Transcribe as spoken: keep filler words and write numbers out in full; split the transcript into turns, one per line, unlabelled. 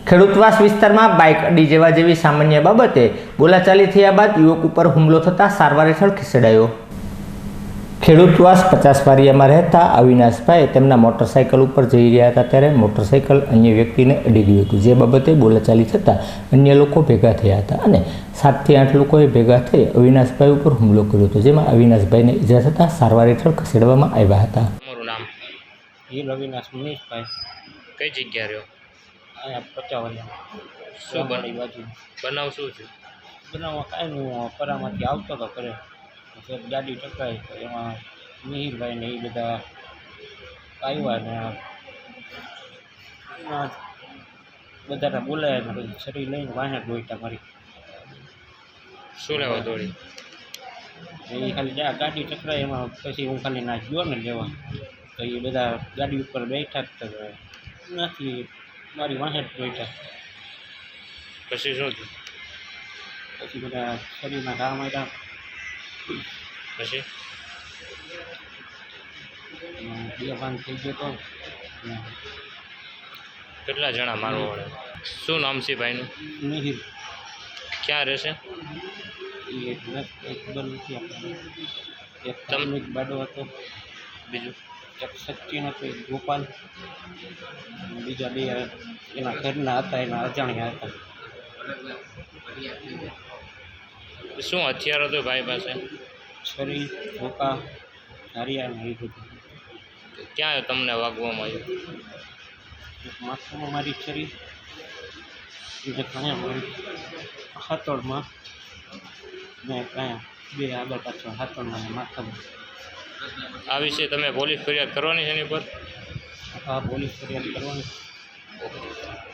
ખેડૂતવાસ વિસ્તારમાં બાઇક અડી જવા જેવી સામાન્ય બાબતે બોલાચાલી થયા બાદ યુવક ઉપર હુમલો થતાં સારવાર હેઠળ ખસેડાયો. ખેડૂતવાસ પચાસ વારિયામાં રહેતા અવિનાશભાઈ તેમના મોટરસાઇકલ ઉપર જઈ રહ્યા હતા ત્યારે મોટરસાઇકલ અન્ય વ્યક્તિને અડી ગયું હતું, જે બાબતે બોલાચાલી થતાં અન્ય લોકો ભેગા થયા હતા અને સાતથી આઠ લોકોએ ભેગા થઈ અવિનાશભાઈ ઉપર હુમલો કર્યો હતો, જેમાં અવિનાશભાઈને ઈજા થતાં સારવાર હેઠળ ખસેડવામાં આવ્યા હતા.
તમારું નામ?
હીર અવિનાશ મનીષભાઈ.
કઈ જગ્યા રહ્યો?
અહીંયા પચાવન
શું બન
બાજુ
બનાવ શું છે?
બનાવવા કાંઈ હું પરામાંથી આવતો હતો ઘરે, પછી ગાડી ટકરાઈ તો એમાં મિહિરભાઈ ને એ બધા આવ્યા ને એમાં બધાને બોલાયા ને પછી શરીર લઈને વાહે દોડતા મારી.
શું લેવા દોડી?
એ ખાલી જ્યાં ગાડી ટકરાઈ એમાં પછી હું ખાલી ના ગયો ને લેવા, તો એ બધા ગાડી ઉપર બેઠા જ હતા, નથી મારી વાહે જ દોડતા.
પછી શું થયું?
પછી બધા શરીરના ઘા માર્યા.
પછી
બે ભાન થઈ ગયો તો.
કેટલા જણા મારવા વળે? શું નામ છે ભાઈનું?
મિહિર
ક્યાં રહેશે?
એ એક ખબર નથી આપણને. એક
તમ-
તમનો એક બાડો હતો,
બીજું?
એક સચિન હતો, એક ગોપાલ, અને બીજા બે એના ઘરના હતા, એના અજાણ્યા હતા.
શું હથિયાર હતું ભાઈ પાસે?
છરી, ધોકા, ધારિયા ને એ બધું.
ક્યાં તમને વાગવામાં આવ્યું?
એક માથામાં મારી છરી, બીજે કાંયા મારી હાથોડમાં ને કાંયા બે આગળ પાછળ હાથોડમાં ને માથામાં.
આ વિશે તમે પોલીસ ફરિયાદ કરવાની છે એની પર?
આ પોલીસ ફરિયાદ કરવાની.
ઓકે.